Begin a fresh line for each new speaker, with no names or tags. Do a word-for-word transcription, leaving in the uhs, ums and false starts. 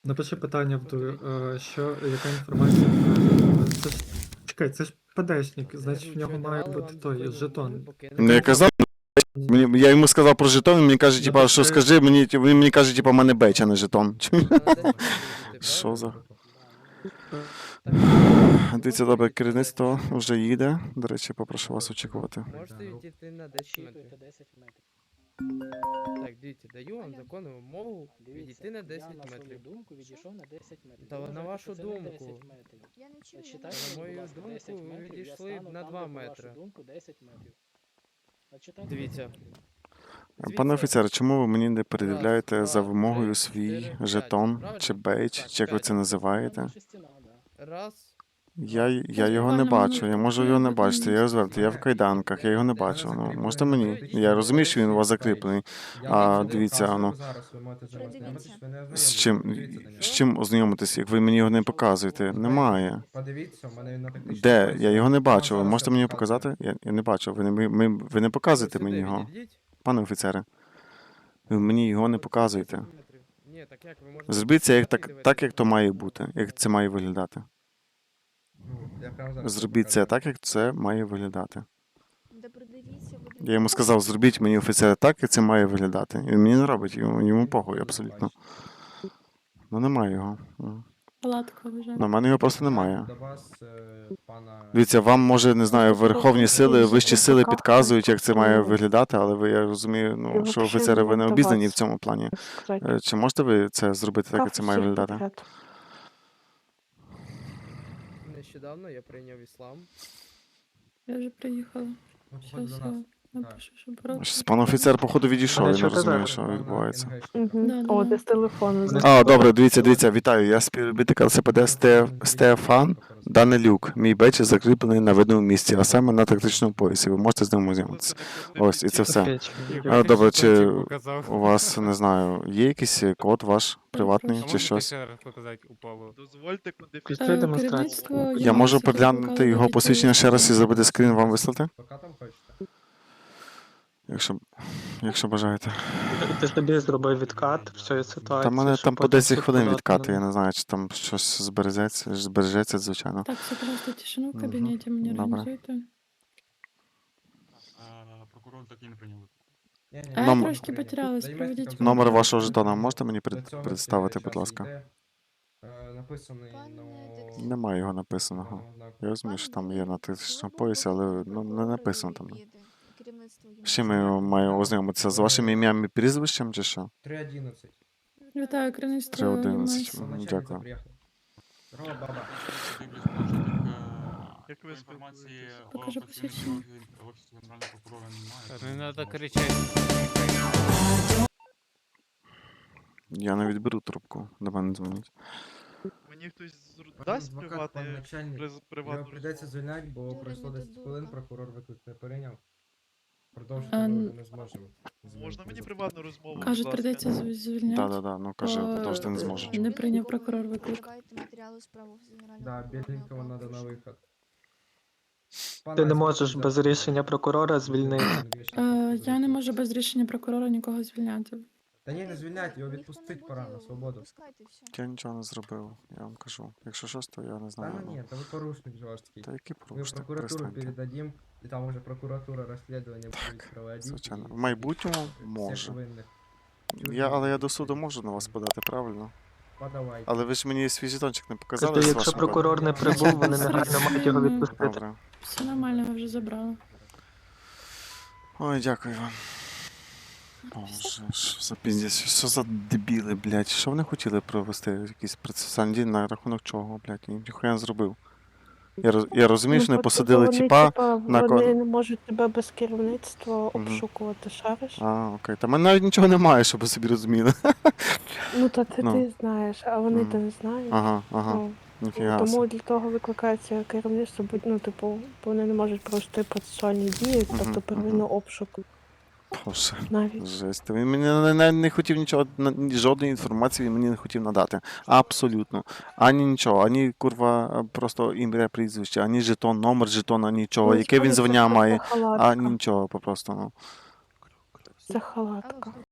Напиши питання в ду е, що яка інформація про це ж чекай, це ж ПДшник, значить в нього має бути той жетон.
Ну, я казав, мені, я йому сказав про жетон, він мені каже, типа, що скажи, мені, він мені каже, типа, в мене бейч, а не жетон. Що за? Дивіться, добре, керівництво вже їде. До речі, попрошу вас очікувати.
Можете відійти на десять метрів.
десять метрів.
Так, дивіться, даю вам законну вимогу відійти на
я
десять
на свою
метрів.
думку відійшов на десять метрів.
Та
Ви
на
вважаєте,
вашу
що це не
думку.
десять метрів.
Я не чую, я
Читайте,
не
На
будь
мою
ласка,
думку,
десять
ви
метрів, я
відійшли
стану
на
там,
два
де, по вашу
метри.
думку, десять метрів. Читайте.
Дивіться.
Пане офіцер, чому ви мені не передивляєте
Раз,
за
два,
вимогою
три,
свій
чотири,
жетон,
п'ять.
чи
Правильно?
бейдж,
Так,
чи як ви
п'ять.
це називаєте?
Наша стіна, да.
Раз.
Я, я
Ось
його не
буквально
бачу, я
минутку,
можу
я
його не
виконую
бачити, я розвернутий, я в кайданках, я його не бачу. Ну, можете мені? Я розумію, що він у вас закріплений. А, дивіться, ну, з чим, з чим ознайомитися, як ви мені його не показуєте? Немає.
Подивіться, у мене він на тактичному
Де?
поясі.
Я його не бачу. Ви
Зараз
можете
я
мені
показую.
показати? Я, я не бачу. Ви не, ми, ми- ви не показуєте
Сюди
мені його,
відійдіть.
пане офіцере. Ви мені його не показуєте.
десять метрів. Ні, так як ви можете...
Зробіть це як, так,
дивитися?
так, як то має бути, як це має виглядати.
Ну, я прямо зараз
Зробіть це
показую.
так, як це має виглядати.
Да придивіться, будемо.
Я йому сказав, зробіть мені офіцера так, як це має виглядати. І він мені не робить, йому, йому похуй абсолютно. Ну немає його. М.
Палатка вже.
На мене його просто немає.
До вас, е, пана...
Дивіться, вам може, не знаю, верховні сили, вищі сили підказують, як це має виглядати, але ви, я розумію, ну, що офіцери, ви не обізнані в цьому плані. Е, Чи можете ви це зробити так, як це має виглядати?
Нещодавно я прийняв іслам.
Я вже приїхала.
Ну, походу,
Щас
до
я
нас.
напишу, щоб брат.
Щось Пан офіцер, походу, відійшов,
Але
я
що
не
ти
розумію,
зараз?
що
Пана
відбувається.
НГшника.
Угу.
Да, да,
О,
да.
ти з телефону.
Вони-
А, добре, дивіться, дивіться, вітаю. Я співробітник ЛСПД Сте... Стефан Данилюк. Мій бейдж закріплений на видному місці, а саме на тактичному поясі. Ви можете з ним ознайомитися. Ось, і це все. А, добре, чи у вас, не знаю, є якийсь код ваш приватний чи щось?
Дозвольте
Після
Е,
демонстрації.
керівництво
Я
Європи
можу
заблокувало
переглянути його
відповідь
посвідчення ще раз і зробити скрін вам вислати?
Пока там хочете.
Якщо, якщо бажаєте.
Ти собі зробив відкат всієї ситуації.
Та в мене
щоб
там по
потім
десять
суд
хвилин
подати
відкати,
на-
я не знаю, чи там щось збережеться, збережеться, звичайно.
Так, все просто тишину в
Мгм.
кабінеті мені
Добре.
організуйте.
Прокурор так і не прийняв.
Ні, ні,
А я
Номер-
трошки потерялась,
Даємо
проведіть
скільки
Номер
там
вашого
буде.
жетона можете мені
До
пред-
цього
представити,
час
будь ласка?
йде, е, Написаний,
Пане
ну...
детектив.
Немає його написаного.
ну, так.
Я розумію, що там є на
Пане
тисячному
Дмитро,
поясі,
коли
але
буде
ну, не
прокурор
написано там.
їде? Керівництво
З чим я
їде.
маю ознайомитися? З вашим ім'ям і прізвищем чи що?
три одинадцять.
Вітаю, керівництво
три одинадцять.
ЄМС.
Мгм,
Начальниця
дякую.
приїхала. Здорово, баба.
Як ви інформації
Покажи
о працівнику
посвідчення.
Офісу Генерального прокурора немає.
Не
тому
треба
можна-
кричати.
Я не відберу трубку, до мене дзвонять.
Мені хтось зр-
Пан
дасть
адвокат,
приватний
пан начальник.
приз-
Його
приватну
прийдеться
розмову?
звільняти, бо
Дуже
пройшло
не
десять
додумка.
хвилин, прокурор виклик не прийняв. Продовжити
А,
ми
н-
вже не зможемо.
Можна мені приватну розмову? будь
Кажуть,
ласка?
прийдеться зв- звільняти.
Так, так, так, ну кажи,
Е,
продовжити не зможу.
Не прийняв прокурор виклик.
Шукайте матеріали справи з Генерального
Да,
прокурора
бідненького
на
треба на
порушення.
виход. Пан
Ти не
Айс,
можеш
можете
без
взяти
рішення прокурора звільнити.
Генерального
Е,
прокурора?
Я не можу без рішення прокурора нікого звільняти.
Та ні, не
Ой,
звільняти, його
ніхто не
відпустити
буде,
пора на свободу.
Випускайте все.
Я нічого не зробив, я вам кажу. Якщо щось, то я не
Та
знаю.
ну
ну.
ні, та ви порушник жорсткий.
Та який
Мы в
порушник,
прокуратуру
перестаньте.
передадим, и там уже прокуратура расследование будет
Так,
проводить.
звичайно.
и
В майбутньому
всех
може.
винных.
Я, але я до суду можу на вас подати, правильно?
Подавайте.
Але ви ж мені свій жетончик не показали
Тобто,
з
якщо
вашим
прокурор не прибув, вони негайно мають його
кодом?
відпустити.
Добре.
Все нормально, ви вже забрали.
Ой, дякую вам. Боже, що за піздець, що за дебіли, блядь, що вони хотіли провести якийсь процесуальний дій на рахунок чого, блядь, я ніхуя не зробив. Я, роз- я розумію, що не посадили тіпа на
Вони
кон...
не можуть тебе без керівництва
Мгм.
обшукувати, шариш?
А, окей. Та в мене навіть нічого немає, щоб ви собі розуміли.
Ну то це
Ну.
ти знаєш, а вони
Мгм.
то не знають.
Ага, ага,
Ну,
ніфіга.
тому
собі.
для того викликається керівництво, бо, ну, типу, бо вони не можуть провести процесуальні дії,
Мгм,
тобто первинно обшук
Боже.
навіть.
Жесть. Він мені навіть не, не хотів нічого, на- ні- жодної інформації він мені не хотів надати. Абсолютно. Ані нічого, ані курва, просто ім'я, прізвище, ані жетон, номер жетона, нічого,
Ну,
яке він
це
звання
просто
має,
халатка.
ані нічого попросту. Ну.
Це халатка.